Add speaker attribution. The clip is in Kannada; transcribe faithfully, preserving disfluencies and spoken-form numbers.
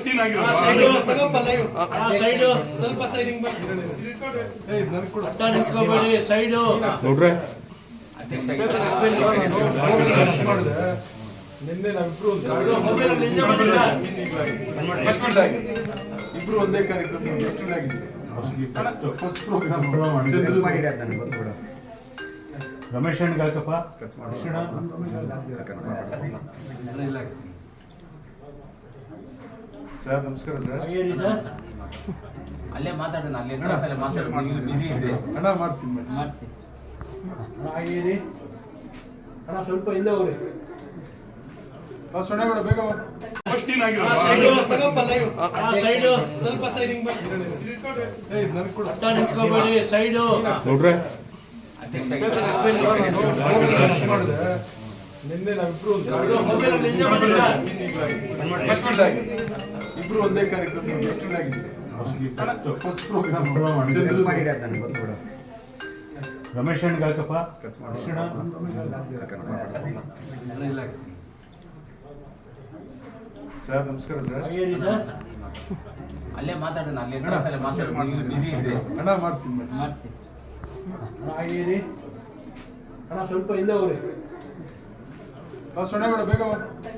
Speaker 1: ಸ್ವಲ್ಪ ಸೈಡಿಂಗ್ ಸೈಡು
Speaker 2: ನೋಡ್ರೆ
Speaker 3: ನಿನ್ನೆ ನಾವಿಬ್ರು ಇಬ್ರು ಒಂದೇ ಕಾರ್ಯಕ್ರಮ ಗೆಸ್ಟ್ ಆಗಿದ್ದೀವಿ. ಫಸ್ಟ್ ಪ್ರೋಗ್ರಾಮ್
Speaker 2: ರಮೇಶ್ ಅಣ್ಣ ಹಾಕಪ್ಪ ಕೃಷ್ಣ ಸರ್ ನಮಸ್ಕಾರ ಸರ್.
Speaker 4: ಅಲ್ಲೇ ಮಾತಾಡೋಣ ಅಲ್ಲೇ ಮಾತಾಡೋಣ ಬಿಸಿ ಇದೆ
Speaker 3: ಅಣ್ಣ ಮಾಡಿಸಿ
Speaker 4: ಮಾಡಿಸಿ
Speaker 1: ಅಣ್ಣ ಸ್ವಲ್ಪ ಹಿಂದೆ ಹೋಗ್ರಿ.
Speaker 3: ಸೊನ್ನೆ ಬೇಡ ಬೇಗ
Speaker 1: ಸ್ವಲ್ಪ ಸೈಡಿಂಗ್ ಸೈಡು
Speaker 2: ನೋಡ್ರೆ
Speaker 3: ನಿನ್ನೆ ನಾವಿಬ್ರು ಇಬ್ರು ಒಂದೇ ಕಾರ್ಯಕ್ರಮ ಗೆಸ್ಟ್ ಆಗಿದ್ದೀವಿ. ಫಸ್ಟ್ ಪ್ರೋಗ್ರಾಮ್
Speaker 2: ರಮೇಶ್ ಅಣ್ಣ ಹಾಕಪ್ಪ ಕೃಷ್ಣ ಸರ್ ನಮಸ್ಕಾರ ಸರ್.
Speaker 4: ಅಲ್ಲೇ ಮಾತಾಡೋಣ ಅಲ್ಲೇ ಮಾತಾಡೋಣ ಬಿಸಿ ಇದೆ
Speaker 3: ಅಣ್ಣ ಮಾಡಿಸಿ
Speaker 4: ಮಾಡಿಸಿ
Speaker 1: ಅಣ್ಣ ಸ್ವಲ್ಪ ಹಿಂದೆ ಹೋಗ್ರಿ.
Speaker 3: ಸೊನ್ನೆ ಬೇಡ ಬೇಗ